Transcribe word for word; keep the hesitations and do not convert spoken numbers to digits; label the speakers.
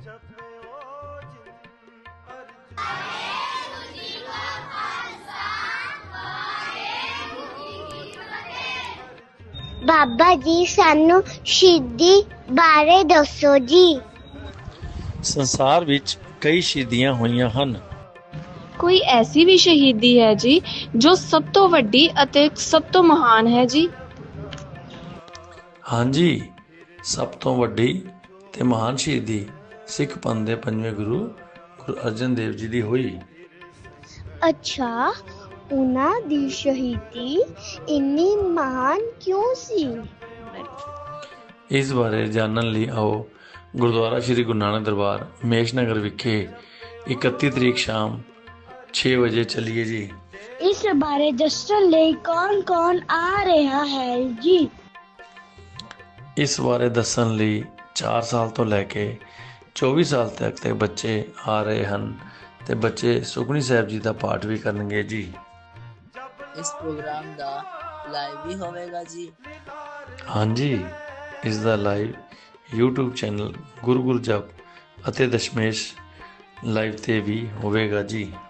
Speaker 1: ਬਾਬਾ ਜੀ ਸਾਨੂੰ ਸ਼ਹੀਦੀ ਬਾਰੇ ਦੱਸੋ ਜੀ।
Speaker 2: ਸੰਸਾਰ ਵਿੱਚ ਕਈ ਸ਼ਹੀਦੀਆਂ ਹੋਈਆਂ ਹਨ।
Speaker 3: ਕੋਈ ਐਸੀ ਵੀ ਸ਼ਹੀਦੀ ਹੈ ਜੀ ਜੋ ਸਭ ਤੋਂ ਵੱਡੀ ਅਤੇ ਸਭ ਤੋਂ ਮਹਾਨ ਹੈ ਜੀ?
Speaker 2: ਹਾਂਜੀ, ਸਭ ਤੋਂ ਵੱਡੀ ਤੇ ਮਹਾਨ ਸ਼ਹੀਦੀ ਸਿੱਖ ਪੰਥ ਦੇ ਪੰਜਵੇਂ ਗੁਰੂ ਗੁਰੂ ਅਰਜਨ ਦੇਵ ਜੀ ਦੀ ਹੋਈ।
Speaker 1: ਅੱਛਾ, ਉਹਨਾਂ ਦੀ ਸ਼ਹੀਦੀ ਇੰਨੀ ਮਹਾਨ ਕਿਉਂ ਸੀ?
Speaker 2: ਇਸ ਬਾਰੇ ਜਾਣਨ ਲਈ ਆਓ ਗੁਰਦੁਆਰਾ ਸ੍ਰੀ ਗੁਰੂ ਨਾਨਕ ਦਰਬਾਰ ਮੇਸ਼ ਨਗਰ ਵਿਖੇ ਇਕੱਤੀ ਤਰੀਕ ਸ਼ਾਮ ਛੇ ਵਜੇ ਚੱਲੀਏ ਜੀ।
Speaker 1: ਇਸ ਬਾਰੇ ਦੱਸਣ ਲਈ ਕੌਣ ਕੌਣ ਆ ਰਿਹਾ ਹੈ ਜੀ?
Speaker 2: ਇਸ ਬਾਰੇ ਦੱਸਣ ਲਈ ਚਾਰ ਸਾਲ ਤੋਂ ਲੈ ਕੇ ਚੌਵੀ ਸਾਲ ਤੱਕ ਦੇ ਬੱਚੇ ਆ ਰਹੇ ਹਨ ਤੇ ਬੱਚੇ ਸੁਖਮਨੀ ਸਾਹਿਬ ਜੀ ਦਾ ਪਾਠ ਵੀ ਕਰਨਗੇ ਜੀ।
Speaker 4: ਇਸ ਪ੍ਰੋਗਰਾਮ ਦਾ ਲਾਈਵ ਵੀ ਹੋਵੇਗਾ ਜੀ?
Speaker 2: ਹਾਂਜੀ, ਇਸ ਦਾ live YouTube channel Guru Guru Jap ਅਤੇ ਦਸ਼ਮੇਸ਼ ਲਾਈਵ ਤੇ ਵੀ ਹੋਵੇਗਾ ਜੀ।